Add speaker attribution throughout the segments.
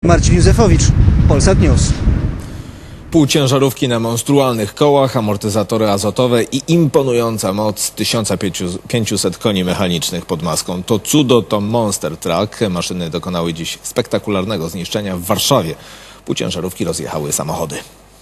Speaker 1: Marcin Józefowicz, Polsat News.
Speaker 2: Półciężarówki na monstrualnych kołach, amortyzatory azotowe i imponująca moc 1500 koni mechanicznych pod maską. To cudo, to Monster Truck. Maszyny dokonały dziś spektakularnego zniszczenia w Warszawie. Półciężarówki rozjechały samochody.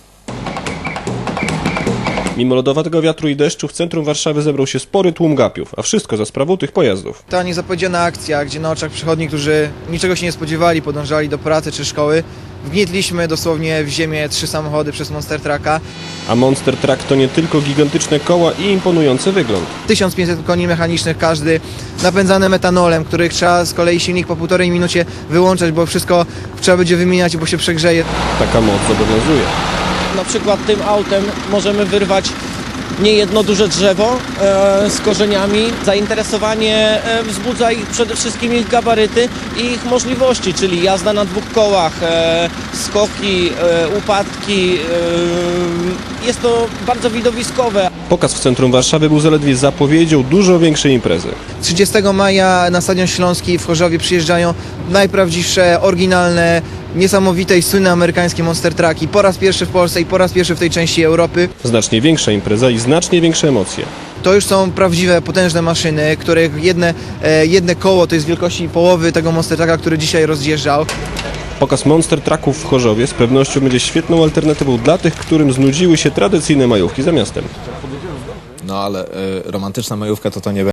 Speaker 3: Mimo lodowatego wiatru i deszczu w centrum Warszawy zebrał się spory tłum gapiów, a wszystko za sprawą tych pojazdów.
Speaker 4: Ta niezapowiedziana akcja, gdzie na oczach przechodni, którzy niczego się nie spodziewali, podążali do pracy czy szkoły, wgnietliśmy dosłownie w ziemię 3 samochody przez Monster Trucka.
Speaker 3: A Monster Truck to nie tylko gigantyczne koła i imponujący wygląd.
Speaker 4: 1500 koni mechanicznych każdy, napędzane metanolem, których trzeba z kolei silnik po 1,5 minucie wyłączać, bo wszystko trzeba będzie wymieniać, bo się przegrzeje.
Speaker 3: Taka moc zobowiązuje.
Speaker 5: Na przykład tym autem możemy wyrwać niejedno duże drzewo z korzeniami. Zainteresowanie wzbudza ich przede wszystkim ich gabaryty i ich możliwości, czyli jazda na 2 kołach, skoki, upadki. Jest to bardzo widowiskowe.
Speaker 3: Pokaz w centrum Warszawy był zaledwie zapowiedzią dużo większej imprezy.
Speaker 4: 30 maja na Stadion Śląski w Chorzowie przyjeżdżają najprawdziwsze, oryginalne, niesamowite i słynne amerykańskie Monster Trucki. Po raz pierwszy w Polsce i po raz pierwszy w tej części Europy.
Speaker 3: Znacznie większa impreza i znacznie większe emocje.
Speaker 4: To już są prawdziwe, potężne maszyny, których jedne koło to jest wielkości połowy tego Monster Trucka, który dzisiaj rozjeżdżał.
Speaker 3: Pokaz Monster Trucków w Chorzowie z pewnością będzie świetną alternatywą dla tych, którym znudziły się tradycyjne majówki za miastem.
Speaker 2: No ale romantyczna majówka to nie będzie.